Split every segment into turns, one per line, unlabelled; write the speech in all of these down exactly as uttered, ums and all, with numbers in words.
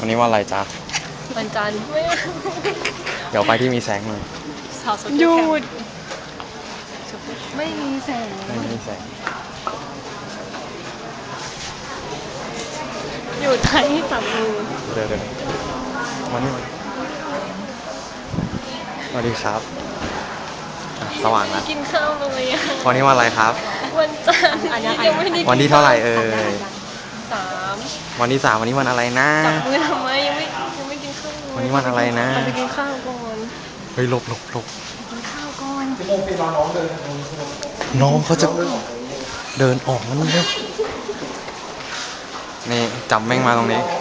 วันนี้วันอะไรจ๊ะ
วันจันทร์
เดี๋ยวไปที่มีแสงหน่อย
หยุดไม่มีแสง
ไม่มีแสง
อยู่ไทยจับมือ
เดี๋ยวเดี๋ยววันนี้สวัสดีครับสว่างแล้ว
กินข้าวเลยอ่ะ
วันนี้วันอะไรครับ
วันจันทร์ยังไม่ได้
วันที่เท่าไหร่เอ่ย
สาม
วันที่สามวันนี้วันอะไรนะ
จับมือทำไมยังไม่ยังไม่กินข้าว
วันนี้วันอะไรนะ
ไปกินข้าวก่อน
เฮ้ยหลบหลบหลบ
กินข้าวก่อน
ชั่วโมงปีรอน้องเดินน้องเขาจะเดินออกมันเร็วนี่จับแม่งมาตรงนี้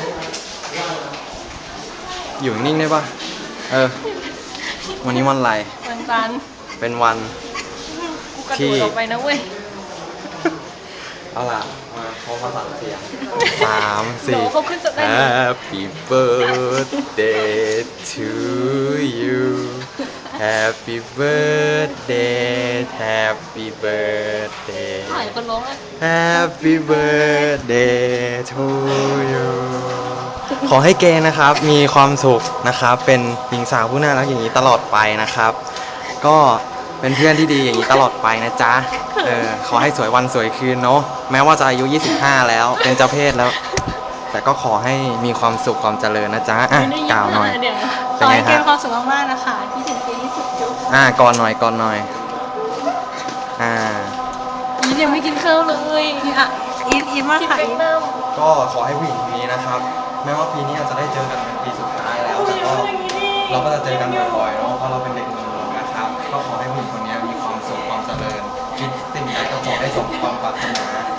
อยู่นิ่งได้ปะเออวันนี้วันอะไร
วันจันทร์
เป็นวัน
ที่ออกไปนะเว้ย
เอาล่ะมาเขามาสั่งเสียงสามสี่ Happy birthday to you Happy birthday Happy birthday
ถ่ายคนร้องอ่ะ
Happy birthday to you ขอให้เกนะครับมีความสุขนะครับเป็นหญิงสาวผู้น่ารักอย่างนี้ตลอดไปนะครับก็เป็นเพื่อนที่ดีอย่างนี้ตลอดไปนะจ๊ะเออขอให้สวยวันสวยคืนเนาะแม้ว่าจะอายุยี่สิบห้าแล้วเป็นเจ้าเพศแล้วแต่ก็ขอให้มีความสุขความเจริญนะจ๊ะอ่ะกล่าวหน่อย
ขอให้เกมความสุขมากๆนะคะที่ถึงเกมที่สุดจุ๊บ
อ่ะก่อนหน่อยก่อนหน่อยอ่า
อียังไม่กินข้าวเลยอ่ะอีทอีทมากค่ะ
ก็ขอให้ผู้หญิงคนนี้นะครับแม้ว่าปีนี้อาจจะได้เจอกันเป็นปีสุดท้ายแล้วแต่ก็เราก็จะเจอกันบ่อยๆเนาะเพราะเราเป็นเด็กเมืองนะครับก็ขอให้ผู้หญิงคนนี้มีความสุขความเจริญคิดสิ่งใดก็ขอให้สมความปรารถนา